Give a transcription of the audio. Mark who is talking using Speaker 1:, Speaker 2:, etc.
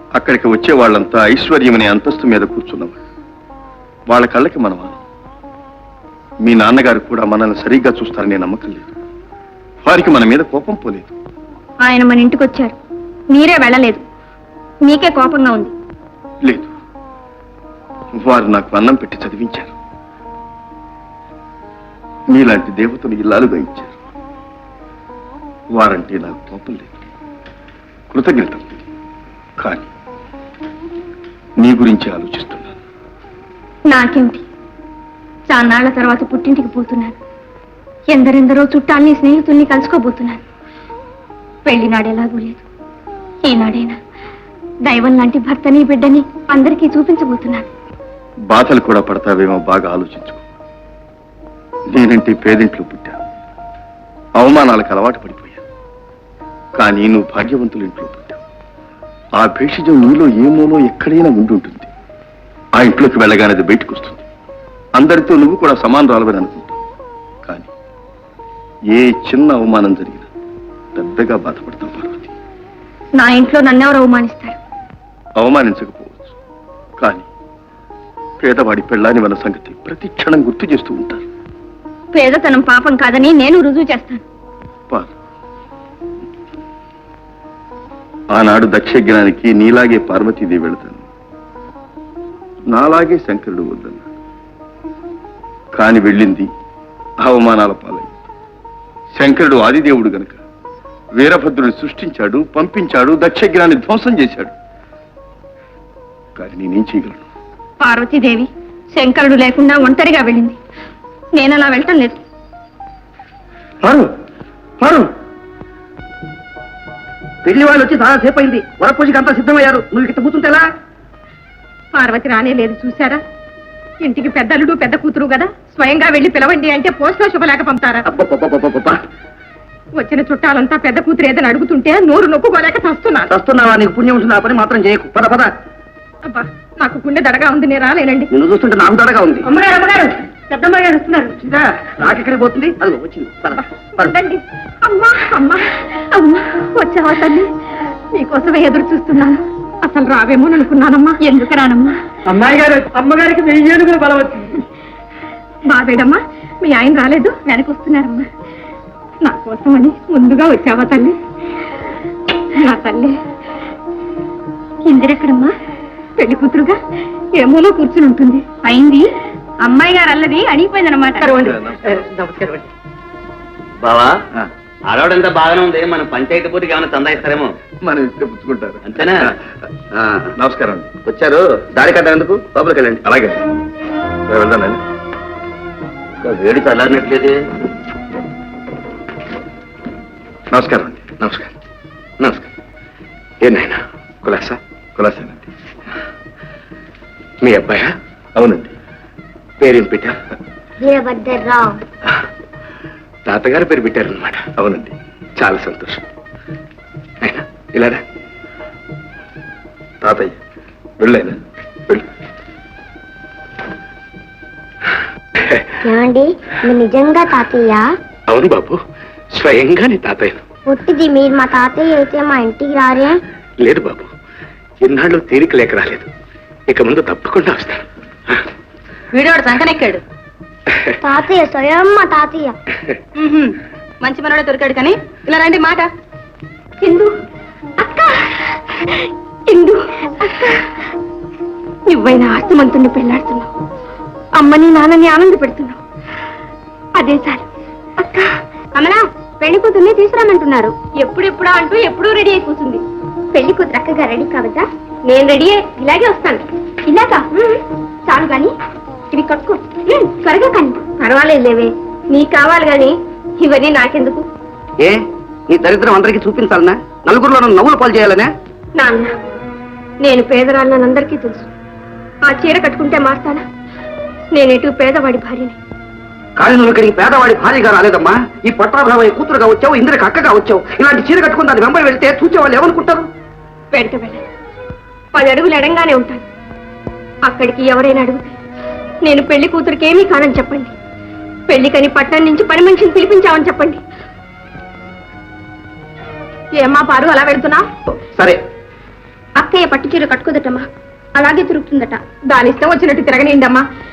Speaker 1: అక్కడికి వచ్చే వాళ్ళంతా ఐశ్వర్యం అనే అంతస్తు మీద కూర్చున్నవాళ్ళు. వాళ్ళ కళ్ళకి మనం మీ నాన్నగారు కూడా మనల్ని సరిగ్గా చూస్తారనే నమ్మకం లేదు. వారికి మన మీద కోపం పోలేదు.
Speaker 2: ఆయన మన ఇంటికి వచ్చారు, మీరే వెళ్ళలేదు. మీకే కోపంగా ఉంది.
Speaker 1: లేదు, వారు నాకు అన్నం పెట్టి చదివించారు. మీలాంటి దేవతను ఇల్లాలుగా ఇచ్చారు. వారంటే నాకు కోపం లేదు, కృతజ్ఞత. కానీ నీ గురించి ఆలోచిస్తున్నాను.
Speaker 2: నాకేమిటి, చాన్నాళ్ల తర్వాత పుట్టింటికి పోతున్నాను. ఎందరెందరో చుట్టాల్ని స్నేహితుల్ని కలుసుకోబోతున్నాను. పెళ్లినాడు ఎలాగూ లేదు, ఈనాడైనా దైవం లాంటి భర్తని బిడ్డని అందరికీ చూపించబోతున్నాను.
Speaker 1: బాధలు కూడా పడతావేమో బాగా ఆలోచించుకో. నేనంటే పేదింట్లో పుట్టా, అవమానాలకు అలవాటు పడిపోయా. కానీ నువ్వు భాగ్యవంతుల ఇంట్లో పుట్టావు. ఆ భేషజం నీలో ఏమోలో ఎక్కడైనా ఉండుంటుంది. ఆ ఇంట్లోకి వెళ్ళగానే అది బయటకు వస్తుంది. అందరితో నువ్వు కూడా సమానరాలవని అనుకుంటావు. కానీ ఏ చిన్న అవమానం జరిగినా పెద్దగా బాధపడతావు పార్వతి.
Speaker 2: నా ఇంట్లో నన్నెవరు అవమానిస్తారు?
Speaker 1: అవమానించకపోవచ్చు, కానీ పేదవాడి పెళ్ళాని మన సంగతి ప్రతి క్షణం గుర్తు చేస్తూ ఉంటారు.
Speaker 2: పేదతనం పాపం కాదని నేను రుజువు చేస్తాను.
Speaker 1: ఆనాడు దక్షజ్ఞానికి నీలాగే పార్వతీదేవి వెళతాను, నాలాగే శంకరుడు వద్దన్నాడు. కాని వెళ్ళింది అవమానాల పాలైంది. శంకరుడు ఆదిదేవుడు గనక వీరభద్రుని సృష్టించాడు, పంపించాడు, దక్షజ్ఞాన్ని ధ్వంసం చేశాడు. కానీ నేనేం చేయగలను?
Speaker 2: పార్వతీదేవి శంకరుడు లేకుండా ఒంటరిగా వెళ్ళింది. నేను అలా వెళ్ళటం లేదు.
Speaker 3: పెళ్లి వాళ్ళు వచ్చి చాలా సేపు అయింది. వరపూజకి అంతా సిద్ధమయ్యారు. నువ్వు ఇక్కడ కూర్చుంటేలా?
Speaker 2: పార్వతి రానే లేదు, చూసారా? ఇంటికి పెద్దలుడు పెద్ద కూతురు కదా, స్వయంగా వెళ్ళి పిలవండి అంటే పోస్ట్లో శుభలేక పంపుతారా? వచ్చిన చుట్టాలంతా పెద్ద కూతురు ఏదని అడుగుతుంటే నోరు నొప్పుకోలేక
Speaker 3: చస్తున్నావా? నీకు పుణ్యం ఉంటుంది, ఆ పని మాత్రం చేయకు. పద పద.
Speaker 2: అబ్బా, నాకు గుండె దడగా ఉంది, నేను రాలేనండి.
Speaker 3: నిన్ను చూస్తుంటే నాకు దడగా ఉంది.
Speaker 2: అమ్మగారు, అమ్మగారు, పెద్దమ్మ గారు వస్తున్నారు.
Speaker 3: నాకెక్కడికి పోతుంది? అది వచ్చింది.
Speaker 2: అమ్మా అమ్మా అమ్మా, వచ్చావా తల్లి? నీకోసమే ఎదురు చూస్తున్నాను. అసలు రావేమో అనుకున్నానమ్మా. ఎందుకు రానమ్మా?
Speaker 3: అమ్మాయి గారు, అమ్మగారికి 1000 ఏనుగులు బలం వచ్చింది.
Speaker 2: బాబేడమ్మా, మీ ఆయన రాలేదు, వెనకొస్తున్నారమ్మా. నా కోసమని ముందుగా వచ్చావా తల్లి? నా తల్లి ఇందిరెక్కడమ్మా? పెళ్లి కూతురుగా ఏమోలో కూర్చుని ఉంటుంది. అయింది అమ్మాయి గారు అల్లది అడిగిపోయిందనమాట.
Speaker 3: నమస్కారం.
Speaker 4: బావా, ఆడవాడంతా బాగానే ఉంది. మనం పంచాయతీ పూర్తికి ఏమైనా చందా ఇస్తారేమో.
Speaker 1: మనం ఇస్తే పుచ్చుకుంటారు.
Speaker 4: అంతేనా?
Speaker 1: నమస్కారం అండి.
Speaker 4: వచ్చారు, దారి కట్టేందుకు లోపలికి వెళ్ళండి.
Speaker 1: అలాగే వెళ్దానండి.
Speaker 4: వేడి చల్లారినట్లేదు.
Speaker 1: నమస్కారం అండి.
Speaker 4: నమస్కారం. నమస్కారం. ఏనాయనా కులాసా?
Speaker 1: కులాసానండి.
Speaker 4: మీ అబ్బాయా?
Speaker 1: అవునండి.
Speaker 4: పేరేం పెట్టారు?
Speaker 2: వీరభద్రరావు.
Speaker 4: తాతగారు పేరు పెట్టారనమాట.
Speaker 1: అవునండి.
Speaker 4: చాలా సంతోషం. అయినా ఇలారా.
Speaker 1: తాతయ్య వెళ్ళైనా వెళ్ళు.
Speaker 5: ఏమండి, మీరు నిజంగా తాతయ్య?
Speaker 4: అవును బాబు, స్వయంగా నీ తాతయ్యను.
Speaker 5: పుట్టిది మీరు మా తాతయ్య అయితే మా ఇంటికి రారే?
Speaker 4: లేదు బాబు, ఇన్నాళ్ళు తీరిక లేక రాలేదు. ఇక ముందు తప్పకుండా వస్తాను.
Speaker 2: వీడివాడు సంకనెక్కాడు.
Speaker 5: తాతయ్య స్వయం మా తాతయ్య.
Speaker 2: మంచి మనోడే దొరికాడు. కానీ ఇలా రండి మాట. ఇందు అక్క, ఇందు అక్క, నువ్వైనా ఆస్తిమంతుణ్ణి పెళ్లాడుతున్నావు, అమ్మని నాన్నని ఆనంద పెడుతున్నావు. అదే చాలు అక్క. కమలా, పెళ్లి కూతుర్ని తీసుకురామంటున్నారు. ఎప్పుడెప్పుడా అంటూ ఎప్పుడూ రెడీ అయి కూర్చుంది. పెళ్లి కూతురు అక్కగా రెడీ కావద్దా? నేను రెడీ, ఇలాగే వస్తాను. ఇలాగా? చాలు గాని ఇవి కట్టుకో. త్వరగా కానీ. పర్వాలేదు లేవే, నీకు కావాలి గాని ఇవన్నీ నాకెందుకు?
Speaker 3: ఏ, నీ దరిద్రం అందరికీ చూపించాలనా? నలుగురిలో నన్ను నవ్వులు పాలు చేయాలనే?
Speaker 2: నాన్న, నేను పేదరాళ్ళని అందరికీ తెలుసు. ఆ చీర కట్టుకుంటే మారుతానా? నేనేటు పేదవాడి భార్యని.
Speaker 3: కానీ నువ్వు ఇక్కడికి పేదవాడి భార్యగా రాలేదమ్మా. ఈ పట్టాభావయ్య కూతురుగా వచ్చావు, ఇందిరకు అక్కగా వచ్చావు. ఇలాంటి చీర కట్టుకుని దాని వెంబడి వెళ్తే చూసేవాళ్ళు ఏమనుకుంటారు?
Speaker 2: వెంట వెళ్ళను, 10 అడుగులు ఎడంగానే ఉంటాను. అక్కడికి ఎవరైనా అడిగితే నేను పెళ్లి కూతురికి ఏమీ కానని చెప్పండి. పెళ్లికని పట్టణం నుంచి పని మనిషిని పిలిపించామని చెప్పండి. ఏమ్మా పారు, అలా వెళ్తున్నా?
Speaker 3: సరే,
Speaker 2: అక్కయ్య పట్టు చీర కట్టుకోదటమ్మా, అలాగే తిరుగుతుందట. దాని ఇష్టం వచ్చినట్టు తిరగనిండమ్మా.